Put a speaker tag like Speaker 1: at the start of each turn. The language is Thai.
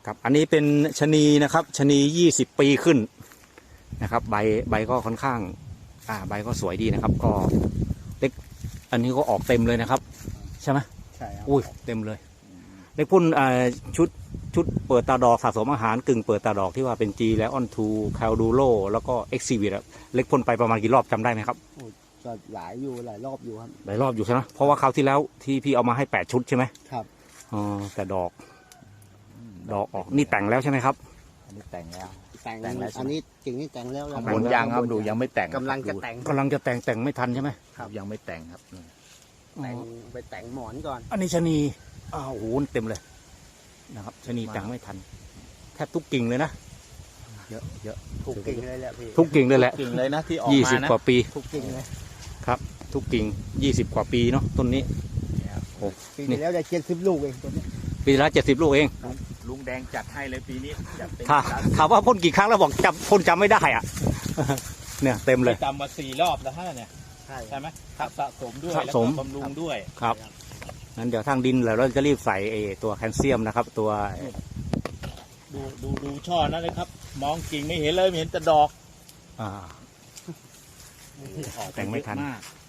Speaker 1: ครับอันนี้เป็นชะนีนะครับชะนี20 ปีขึ้นนะครับใบก็ค่อนข้างใบก็สวยดีนะครับก็เล็กอันนี้ก็ออกเต็มเลยนะครับใช่ไหม
Speaker 2: ใช่ครับ
Speaker 1: อุ้ยเต็มเลยเล็กพุ่นชุดเปิดตาดอกสะสมอาหารกึ่งเปิดตาดอกที่ว่าเป็น G และออนทูแคลดูโรแล้วก็เอ็กซิวิตเล็กพ่นไปประมาณกี่รอบจำได้ไหมครับ
Speaker 2: ก็หลายรอบอยู่ครับ
Speaker 1: หลายรอบอยู่ใช่ไหมเพราะว่าคราวที่แล้วที่พี่เอามาให้8 ชุดใช่ไหม
Speaker 2: ครับ
Speaker 1: อ๋อแต่ดอกออกนี่แต่งแล้วใช่ไหมครับ
Speaker 3: อันนี้แต่งแล้ว
Speaker 2: อันนี้กิ่งนี่แต่งแล้ว
Speaker 3: บนยางครับดูยังไม่แต่ง
Speaker 2: กำลังจะ
Speaker 1: แต่งไม่ทันใช่ไหม
Speaker 3: ครับยังไม่แต่งครับ
Speaker 2: ไปแต่งหมอนก่อน
Speaker 1: อันนี้ชะนีโอ้โหเต็มเลยนะครับชะนีแต่งไม่ทันแทบทุกกิ่งเลยนะเยอะ
Speaker 2: ทุกกิ่งเลยแหละพี่
Speaker 1: ทุกกิ่งเลยแหละ
Speaker 3: กิ่งเลยนะที่ออกมานะ
Speaker 1: 20 กว่าปี
Speaker 2: ทุกกิ่งเลย
Speaker 1: ครับทุกกิ่ง20 กว่าปีเนาะต้นนี้โอ้
Speaker 2: ปีที่แล้วได้70 ลูกเองต้นนี้
Speaker 1: ปีละ70 ลูกเอง
Speaker 3: ลุงแดงจัดให้เลยปีนี้จัดเต็ม
Speaker 1: ถามว่าพ่นกี่ครั้งแล้วบอกพ่นจำไม่ได้อ่ะเนี่ยเต็มเลย
Speaker 3: จำมา4 รอบแล้วฮะเนี่ยใช่ไหมสะสมด้วยแล้วก็บำรุงด้วย
Speaker 1: ครับงั้นเดี๋ยวทางดินเราจะรีบใส่ตัวแคลเซียมนะครับตัว
Speaker 3: ดูช่อนั่นเลยครับมองกิ่งไม่เห็นเลยเห็นแต่ดอก
Speaker 1: แต่งไม่ทัน